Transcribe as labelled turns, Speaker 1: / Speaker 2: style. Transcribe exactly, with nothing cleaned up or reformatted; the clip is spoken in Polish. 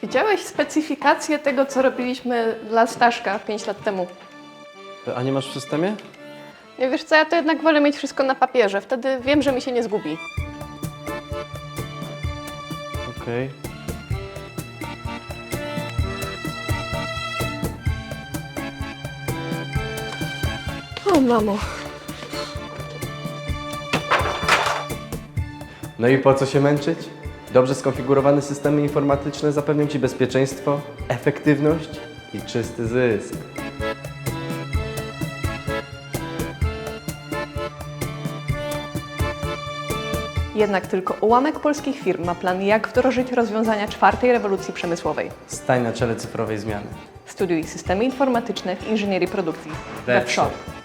Speaker 1: Widziałeś specyfikację tego, co robiliśmy dla Staszka pięć lat temu?
Speaker 2: A nie masz w systemie?
Speaker 1: Nie wiesz co, ja to jednak wolę mieć wszystko na papierze. Wtedy wiem, że mi się nie zgubi.
Speaker 2: Okej.
Speaker 1: O, mamo.
Speaker 2: No i po co się męczyć? Dobrze skonfigurowane systemy informatyczne zapewnią Ci bezpieczeństwo, efektywność i czysty zysk.
Speaker 1: Jednak tylko ułamek polskich firm ma plan, jak wdrożyć rozwiązania czwartej rewolucji przemysłowej.
Speaker 2: Stań na czele cyfrowej zmiany.
Speaker 1: Studiuj systemy informatyczne w inżynierii produkcji.
Speaker 2: Webshop.
Speaker 1: Webshop.